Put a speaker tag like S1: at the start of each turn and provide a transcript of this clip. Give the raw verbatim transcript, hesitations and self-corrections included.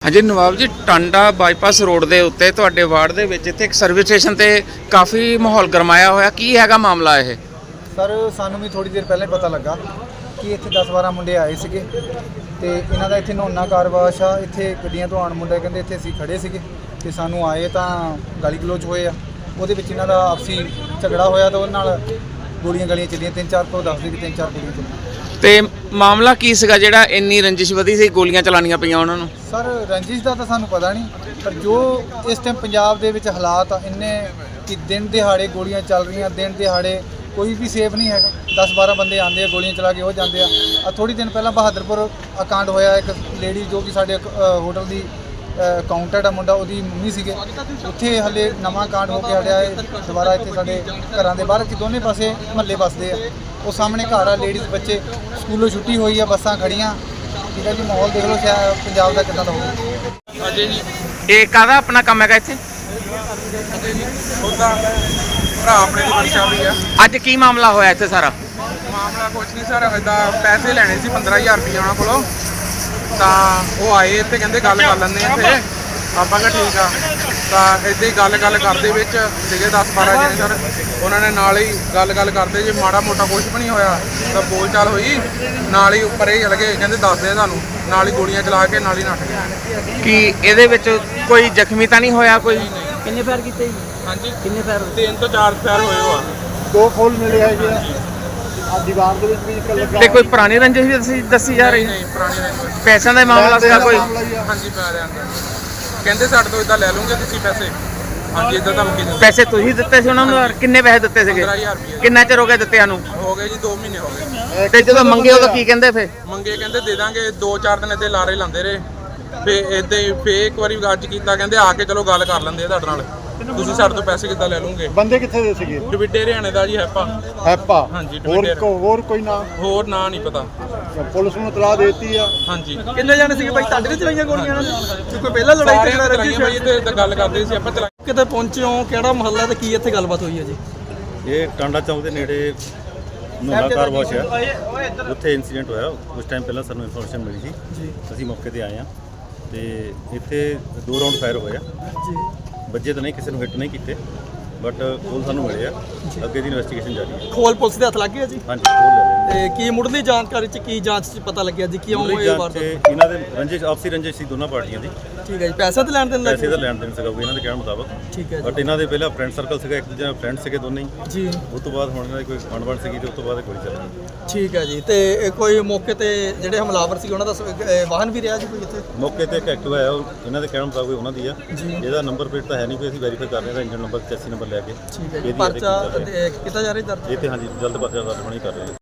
S1: ਹਾਂਜੀ ਨਵਾਬ ਜੀ, Tanda bypass road ਦੇ ਉੱਤੇ ਤੁਹਾਡੇ ਵਾਰਡ ਦੇ ਵਿੱਚ ਇੱਥੇ ਇੱਕ ਸਰਵਿਸ ਸਟੇਸ਼ਨ ਤੇ ਕਾਫੀ ਮਾਹੌਲ ਗਰਮਾਇਆ ਹੋਇਆ, ਕੀ ਹੈਗਾ ਮਾਮਲਾ ਇਹ?
S2: ਸਰ ਸਾਨੂੰ ਵੀ ਥੋੜੀ ਦੇਰ ਪਹਿਲਾਂ ਹੀ ਪਤਾ ਲੱਗਾ ਕਿ ਇੱਥੇ ਦਸ ਬਾਰਾਂ ਮੁੰਡੇ ਆਏ ਸੀਗੇ ਤੇ ਇਹਨਾਂ ਦਾ ਇੱਥੇ ਨਹਾਉਣਾ ਕਾਰਵਾਸ਼ ਆ। ਇੱਥੇ ਗੱਡੀਆਂ ਤੋਂ ਆਉਣ ਮੁੰਡੇ ਕਹਿੰਦੇ ਇੱਥੇ ਅਸੀਂ ਖੜੇ ਸੀਗੇ ਤੇ ਸਾਨੂੰ ਆਏ ਤਾਂ ਗਾਲੀ ਗਲੋਚ ਹੋਏ ਆ। ਉਹਦੇ ਵਿੱਚ ਇਹਨਾਂ ਦਾ ਆਪਸੀ ਝਗੜਾ ਹੋਇਆ ਤਾਂ ਉਹਦੇ ਨਾਲ ਗੋਲੀਆਂ ਗਾਲੀਆਂ ਚੱਲੀਆਂ, ਤਿੰਨ ਚਾਰ ਤੋਂ ਦੱਸਦੇ ਕਿ ਤਿੰਨ ਚਾਰ ਗੋਲੀਆਂ ਚੱਲੀਆਂ।
S1: ਤੇ ਮਾਮਲਾ ਕੀ ਸੀਗਾ ਜਿਹੜਾ ਇੰਨੀ ਰੰਜਿਸ਼ ਵਧੀ ਸੀ, ਗੋਲੀਆਂ ਚਲਾਉਣੀਆਂ ਪਈਆਂ ਉਹਨਾਂ ਨੂੰ?
S2: ਸਰ ਰੰਜਿਸ਼ ਦਾ ਤਾਂ ਸਾਨੂੰ ਪਤਾ ਨਹੀਂ, ਪਰ ਜੋ ਇਸ ਟਾਈਮ ਪੰਜਾਬ ਦੇ ਵਿੱਚ ਹਾਲਾਤ ਆ ਇੰਨੇ ਕਿ ਦਿਨ ਦਿਹਾੜੇ ਗੋਲੀਆਂ ਚੱਲ ਰਹੀਆਂ, ਦਿਨ ਦਿਹਾੜੇ ਕੋਈ ਵੀ ਸੇਫ ਨਹੀਂ ਹੈਗਾ। ਦਸ ਬਾਰਾਂ ਬੰਦੇ ਆਉਂਦੇ ਆ, ਗੋਲੀਆਂ ਚਲਾ ਕੇ ਉਹ ਜਾਂਦੇ ਆ। ਆ ਥੋੜ੍ਹੀ ਦਿਨ ਪਹਿਲਾਂ ਬਹਾਦਰਪੁਰ ਅਕਾਂਡ ਹੋਇਆ, ਇੱਕ ਲੇਡੀ ਜੋ ਕਿ ਸਾਡੇ ਹੋਟਲ ਦੀ ਅਕਾਊਂਟੈਂਟ ਆ ਮੁੰਡਾ, ਉਹਦੀ ਮੰਮੀ ਸੀਗੇ, ਉੱਥੇ ਹਲੇ ਨਵਾਂ ਕਾਂਡ ਹੋ ਕੇ ਹਟਿਆ ਹੈ। ਦੁਬਾਰਾ ਇੱਥੇ ਸਾਡੇ ਘਰਾਂ ਦੇ ਬਾਹਰ ਕਿ ਦੋਨੇ ਪਾਸੇ ਮਹੱਲੇ ਵੱਸਦੇ ਆ, ਉਹ ਸਾਹਮਣੇ ਘਰ ਆ, ਲੇਡੀਜ਼ ਬੱਚੇ ਸਕੂਲੋਂ ਛੁੱਟੀ ਹੋਈ ਆ, ਬੱਸਾਂ ਖੜੀਆਂ। ਠੀਕ ਹੈ ਜੀ, ਮਾਹੌਲ ਦੇਖ ਲਓ ਸ਼ਾਇਦ ਪੰਜਾਬ ਦਾ ਕਿੱਦਾਂ ਦਾ ਹੋਊਗਾ।
S1: ਅਜੇ ਜੀ ਇਹ ਕਾਹਦਾ ਆਪਣਾ ਕੰਮ ਹੈਗਾ ਇੱਥੇ?
S3: ਉਹਦਾ ਭਰਾ ਆਪਣੇ ਦੀ ਪਰਚਾ ਵੀ ਆ।
S1: ਅੱਜ ਕੀ ਮਾਮਲਾ ਹੋਇਆ ਇੱਥੇ ਸਾਰਾ?
S3: ਮਾਮਲਾ ਕੁਛ ਨਹੀਂ ਸਰ, ਇਦਾਂ ਪੈਸੇ ਲੈਣੇ ਸੀ ਪੰਦਰਾਂ ਹਜ਼ਾਰ ਰੁਪਏ ਉਹਨਾਂ ਕੋਲੋਂ, ਤਾਂ ਉਹ ਆਏ ਇੱਥੇ ਕਹਿੰਦੇ ਗੱਲ ਕਰ ਲੈਂਦੇ ਆ ਇੱਥੇ। ਆਪਾਂ ਕਿਹਾ ਠੀਕ ਆ, ਤਾਂ ਇੱਦਾਂ ਹੀ ਗੱਲ ਗੱਲ ਕਰਦੇ ਵਿੱਚ ਸੀਗੇ ਦਸ ਬਾਰਾਂ ਜਣੇ ਸਰ। ਉਹਨਾਂ ਨੇ ਨਾਲ ਹੀ ਗੱਲ ਗੱਲ ਕਰਦੇ ਜੇ ਮਾੜਾ ਮੋਟਾ ਕੁਛ ਵੀ ਨਹੀਂ ਹੋਇਆ ਤਾਂ ਬੋਲ ਚਾਲ ਹੋਈ, ਨਾਲ ਹੀ ਉੱਪਰ ਇਹ ਚਲ ਗਏ, ਕਹਿੰਦੇ ਦੱਸਦੇ ਤੁਹਾਨੂੰ, ਨਾਲ ਹੀ ਗੋਲੀਆਂ ਚਲਾ ਕੇ ਨਾਲ ਹੀ ਨੱਠ ਗਏ।
S1: ਕੀ ਇਹਦੇ ਵਿੱਚ ਕੋਈ ਜ਼ਖਮੀ ਤਾਂ ਨਹੀਂ ਹੋਇਆ ਕੋਈ?
S2: ਕਿੰਨੇ ਫਾਇਰ ਕੀਤੇ ਜੀ?
S3: ਹਾਂਜੀ
S2: ਕਿੰਨੇ ਫਾਇਰ?
S3: ਤਿੰਨ ਤੋਂ ਚਾਰ ਫੈਰ ਹੋਏ ਹੋ ਆ।
S2: ਦੋ ਫੁੱਲ ਮਿਲੇ ਹੈਗੇ ਆ ਦੀਵਾਰ ਦੇ ਵਿੱਚ ਵੀ ਇੱਕ ਲੱਗਾ।
S1: ਤੇ ਕੋਈ ਪੁਰਾਣੀ ਰੰਜਿਸ਼ ਵੀ ਦੱਸੀ ਦੱਸੀ ਜਾ ਰਹੀ ਹੈ?
S3: ਨਹੀਂ ਪੁਰਾਣੀ ਨਹੀਂ।
S1: ਪੈਸਿਆਂ ਦਾ ਮਾਮਲਾ ਸੀਗਾ ਕੋਈ?
S3: ਹਾਂਜੀ ਪੈਰਿਆਂ ਦਾ ਕਹਿੰਦੇ ਸਾਡੇ ਤੋਂ ਇਦਾਂ ਲੈ ਲਓਗੇ ਤੁਸੀਂ ਪੈਸੇ। ਹਾਂਜੀ ਇਦਾਂ ਧਮਕੀ ਦਿੰਦੇ।
S1: ਪੈਸੇ ਤੁਸੀਂ ਦਿੱਤੇ ਸੀ ਉਹਨਾਂ ਨੂੰ? ਔਰ ਕਿੰਨੇ ਪੈਸੇ ਦਿੱਤੇ ਸੀਗੇ?
S3: ਪੰਦਰਾਂ ਹਜ਼ਾਰ ਰੁਪਏ
S1: ਕਿੰਨਾ ਚਿਰ ਹੋ ਗਿਆ ਦਿੱਤਿਆਂ ਨੂੰ?
S3: ਹੋ ਗਏ ਜੀ, ਦੋ ਮਹੀਨੇ ਹੋ ਗਏ।
S1: ਤੇ ਜਦੋਂ ਮੰਗੇ ਉਦੋਂ ਕੀ ਕਹਿੰਦੇ ਫੇ?
S3: ਮੰਗੇ ਕਹਿੰਦੇ ਦੇ ਦਾਂਗੇ, ਦੋ ਚਾਰ ਦਿਨ ਇੱਥੇ ਲਾਰੇ ਲਾਉਂਦੇ ਰਹੇ। ਫੇ ਇੱਦਾਂ ਹੀ ਫੇ ਇੱਕ ਵਾਰੀ ਅੱਜ ਕੀਤਾ, ਕਹਿੰਦੇ ਆ ਕੇ ਚਲੋ ਗੱਲ ਕਰ ਲੈਂਦੇ ਆ ਤੁਹਾਡੇ ਨਾਲ, ਤੁਸੀਂ ਸਾਡੇ ਤੋਂ ਪੈਸੇ ਕਿੱਦਾਂ ਲੈ ਲਓਗੇ।
S2: ਬੰਦੇ ਕਿੱਥੇ ਦੇ ਸੀਗੇ?
S3: ਡਿਵਿਡੇ ਹਰਿਆਣੇ ਦਾ ਜੀ ਹੈਪਾ।
S2: ਹੈਪਾ?
S3: ਹਾਂਜੀ
S2: ਹੋਰ
S3: ਡਿਵਿਡੇ।
S2: ਕੋ ਹੋਰ ਕੋਈ ਨਾ?
S3: ਹੋਰ ਨਾਂ ਨਹੀਂ ਪਤਾ।
S2: ਪੁਲਿਸ ਨੂੰ ਇਤਲਾਹ ਦੇਤੀ ਆ?
S3: ਹਾਂਜੀ
S4: ਕਿੰਨੇ ਜਾਣੇ ਸੀਗੇ ਭਾਈ ਤੁਹਾਡੇ ਤੇ ਚਲਾਈਆਂ ਗੋਲੀਆਂ ਇਹਨਾਂ ਨੇ? ਕੋਈ ਪਹਿਲਾਂ ਲੜਾਈ
S3: ਸਾਰਿਆਂ
S4: ਝਗੜਾ
S3: ਨੇ
S4: ਰੱਖੀ
S3: ਚਲਾਈਆਂ ਭਾਈ, ਤੇ ਗੱਲ ਕਰਦੇ ਸੀ ਆਪਾਂ ਚਲਾ।
S4: ਕਿਤੇ ਪਹੁੰਚੇ ਹੋ, ਕਿਹੜਾ ਮਹੱਲਾ ਤੇ ਕੀ ਇੱਥੇ ਗੱਲਬਾਤ ਹੋਈ ਹੈ ਜੀ?
S5: ਇਹ ਟਾਂਡਾ ਚੌਂਕ ਦੇ ਨੇੜੇ ਨੋਨਾ ਕਾਰ ਵਾਸ਼ ਹੈ, ਉੱਥੇ ਇਨਸੀਡੈਂਟ ਹੋਇਆ। ਉਸ ਟਾਈਮ ਪਹਿਲਾਂ ਸਾਨੂੰ ਇਨਫੋਰਮੇਸ਼ਨ ਮਿਲੀ ਸੀ ਜੀ, ਅਸੀਂ ਮੌਕੇ ਤੇ ਆਏ ਹਾਂ ਤੇ ਇੱਥੇ ਦੋ ਰਾਉਂਡ ਫਾਇਰ ਹੋਏ ਆ ਜੀ। ਵੱਜੇ ਤਾਂ ਨਹੀਂ, ਕਿਸੇ ਨੂੰ ਹਿੱਟ ਨਹੀਂ ਕੀਤੇ, ਬਟ ਕੋਲ ਸਾਨੂੰ ਮਿਲੇ ਆ। ਅੱਗੇ ਦੀ ਇਨਵੈਸਟੀਗੇਸ਼ਨ ਜਾਰੀ ਹੈ।
S4: ਖੋਲ ਪੁਲਿਸ ਦੇ ਹੱਥ ਲੱਗ ਗਿਆ ਜੀ?
S5: ਹਾਂਜੀ ਕੋਲ ਲੈ ਲੈਂਦੇ।
S4: ਤੇ ਕੀ ਮੁੱਢਲੀ ਜਾਣਕਾਰੀ ਚ ਕੀ ਜਾਂਚ ਚ ਪਤਾ ਲੱਗਿਆ ਜੀ ਕਿਉਂ
S5: ਮੁੱਢਲੀ
S4: ਇਹ
S5: ਜਾਂਚ
S4: ਵਾਰਦਾਤ?
S5: 'ਚ ਇਹਨਾਂ ਦੇ ਰੰਜਿਸ਼, ਆਪਸੀ ਰੰਜਿਸ਼ ਸੀ ਦੋਨਾਂ ਪਾਰਟੀਆਂ ਦੀ।
S4: ਠੀਕ ਹੈ ਜੀ, ਪੈਸੇ ਤੇ ਲੈਣ ਦੇਣ ਲੱਗ
S5: ਪੈਸੇ ਦਾ ਲੈਣ ਦੇਣ ਸੀਗਾ ਇਹਨਾਂ ਦੇ ਕਹਿਣ ਮੁਤਾਬਕ।
S4: ਠੀਕ ਹੈ
S5: ਬਟ ਇਹਨਾਂ ਦੇ ਪਹਿਲਾਂ ਫਰੈਂਡ ਸਰਕਲ ਸੀਗਾ, ਇੱਕ ਦੂਜੇ ਨਾਲ ਫਰੈਂਡ ਸੀਗੇ ਦੋਨੇ ਹੀ।
S4: ਜੀ
S5: ਉਸ ਤੋਂ ਬਾਅਦ ਹੁਣ ਇਹਨਾਂ ਦੀ ਕੋਈ ਬਣਬਣ ਸੀਗੀ ਤੇ ਉਸ ਤੋਂ ਬਾਅਦ ਕੋਈ ਚੱਲ
S4: ਠੀਕ ਹੈ ਜੀ। ਤੇ ਇਹ ਕੋਈ ਮੌਕੇ ਤੇ ਜਿਹੜੇ ਹਮਲਾਵਰ ਸੀ ਉਹਨਾਂ ਦਾ ਸ- ਇਹ ਵਾਹਨ ਵੀ ਰਿਹਾ ਜੀ ਕੋਈ ਇੱਥੇ?
S5: ਮੌਕੇ ਤੇ ਇੱਕ ਐਕਟਿਵਾ ਆਇਆ, ਉਹ ਇਹਨਾਂ ਦੇ ਕਹਿਣ ਮੁਤਾਬਕ ਉਹਨਾਂ ਦੀ ਆ। ਇਹਦਾ ਨੰਬਰ ਪਲੇਟ ਤਾਂ ਹੈ ਨਹੀਂ ਕੋਈ, ਅਸੀਂ ਵੈਰੀਫਾਈ ਕਰ ਰਹੇ ਹਾਂ ਇੰਜਨ ਨੰਬਰ, ਚੈਸੀ ਨੰਬਰ ਲੈ ਕੇ।
S4: ਠੀਕ ਹੈ ਜੀ,
S5: ਇਹਦੀ
S4: ਪਰਚਾ
S5: ਇਹਦੀ
S4: ਤੇ ਕੀਤਾ ਜਾ ਰਿਹਾ ਦਰਜ?
S5: ਇਹ ਤੇ ਹਾਂਜੀ ਜਲਦ ਪਰਚਾ ਦਰਜ ਹੋਣੀ ਕਰ ਰਹੇ ਹਾਂ।